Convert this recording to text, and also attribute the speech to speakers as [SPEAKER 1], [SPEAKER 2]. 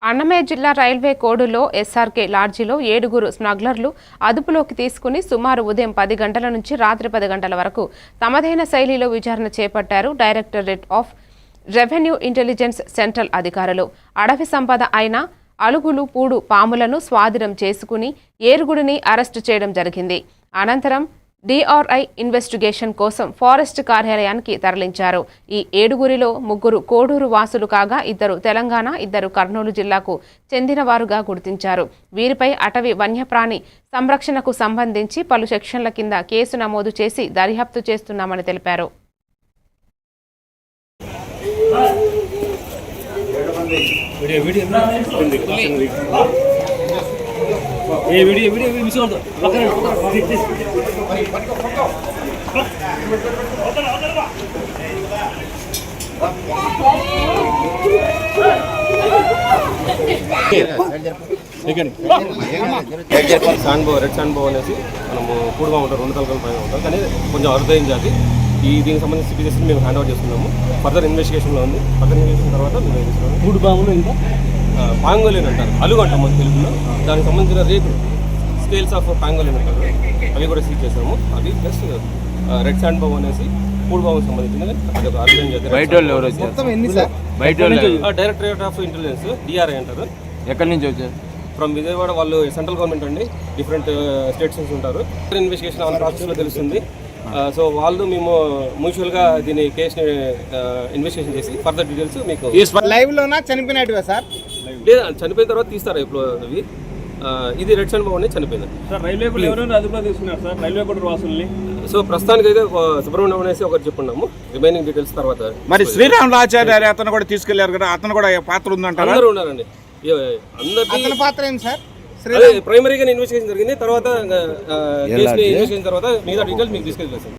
[SPEAKER 1] అన్నమయ్య జిల్లా railway కోడులో SRK లాడ్జిలో 7 స్మగ్లర్లు అదుపులోకి తీసుకుని సుమారు ఉదయం 10 గంటల నుంచి రాత్రి 10 గంటల వరకు తమదైన శైలిలో విచారణ చేపట్టారు directorate of revenue intelligence central అధికారులు. అడవి సంపద అయిన అలుగులు పూడు పాములను స్వాధీనం చేసుకుని ఏరుగుడిని అరెస్టు చేయడం జరిగింది. అనంతరం డిఆర్ఐ ఇన్వెస్టిగేషన్ కోసం ఫారెస్ట్ కార్యాలయానికి తరలించారు. ఈ 7గురిలో 3 కోడూరు వాసులు కాగా 2 తెలంగాణ, 2 కర్నూలు జిల్లాకు చెందినవారుగా గుర్తించారు. వీరిపై అటవీ వన్యప్రాణి సంరక్షణకు సంబంధించి పలు సెక్షన్ల కింద కేసు నమోదు చేసి దర్యాప్తు చేస్తున్నామని తెలిపారు.
[SPEAKER 2] రెడ్ శాండ్ బో అనేసి మనము కూడుగా ఉంటాం, 2 తలకల పైన ఉంటాం, కానీ కొంచెం అరుదైన జాతి. దీనికి సంబంధించి సిటీజెస్ మేము హ్యాండ్ ఓవర్ చేస్తున్నాము. ఫర్దర్ ఇన్వెస్టిగేషన్లో ఉంది. ఫర్దర్ ఇన్వెస్టిగేషన్ తర్వాత మేము చేస్తున్నాము.
[SPEAKER 3] మూడు బాములు ఇంకా
[SPEAKER 2] పాంగోలిన్ అంటారు, అలుగు అంటాం మన తెలుగులో. దానికి సంబంధించిన రేకులు స్కేల్స్ ఆఫ్ పాంగోలిన్ అంటారు, అవి కూడా సీజ్ చేసాము. అది ప్లస్ రెడ్ శాండ్ బో అనేసి మూడు బాబుకి సంబంధించింది. అది ఒక అరుదైన జాతి. డైరెక్టరేట్ ఆఫ్ ఇంటెలిజెన్స్ డిఆర్ఐ అంటారు.
[SPEAKER 3] ఎక్కడి నుంచి వచ్చారు?
[SPEAKER 2] ఫ్రమ్ విజయవాడ. వాళ్ళు సెంట్రల్ గవర్నమెంట్ అండి, డిఫరెంట్ స్టేట్స్ నుంచి ఉంటారు. ఇన్వెస్టిగేషన్ ఆన్ ప్రాసెస్లో తెలుస్తుంది. సో వాళ్ళు మేము మ్యూచువల్గా దీని కేసుని ఇన్వెస్టిగేషన్ చేసి ఫర్దర్ డీటెయిల్స్ మీకు
[SPEAKER 4] లైవ్ లోనా చనిపోయినట్టుగా సార్?
[SPEAKER 2] లేదా చనిపోయిన తర్వాత తీస్తారు ఇప్పుడు అవి. ఇది రెడ్ శాండ్ బో అనేది చనిపోయింది.
[SPEAKER 3] రైల్వే కూడా ఎవరైనా అదుపులో తీసుకున్నారు సార్ రైల్వే కూడా వాసుల్ని.
[SPEAKER 2] సో ప్రస్తుతానికి అయితే సుబ్రహ్మణ్యం అనేసి ఒకటి చెప్పుకున్నాము. రిమైనింగ్ డీటెయిల్స్ తర్వాత.
[SPEAKER 4] మరి శ్రీరాములాచార్య అతను కూడా తీసుకెళ్లారు కదా, అతను కూడా పాత్ర ఉందంటారు.
[SPEAKER 2] అందరూ ఉన్నారండి. అందరి
[SPEAKER 4] పాత్ర ఏంటి సార్?
[SPEAKER 2] ప్రైమరీగా ఇన్వెస్టిగేషన్ జరిగింది. తర్వాత కేసుని ఇన్వెస్టిగేషన్ తర్వాత మిగతా డీటెయిల్స్ మీకు తీసుకెళ్ళి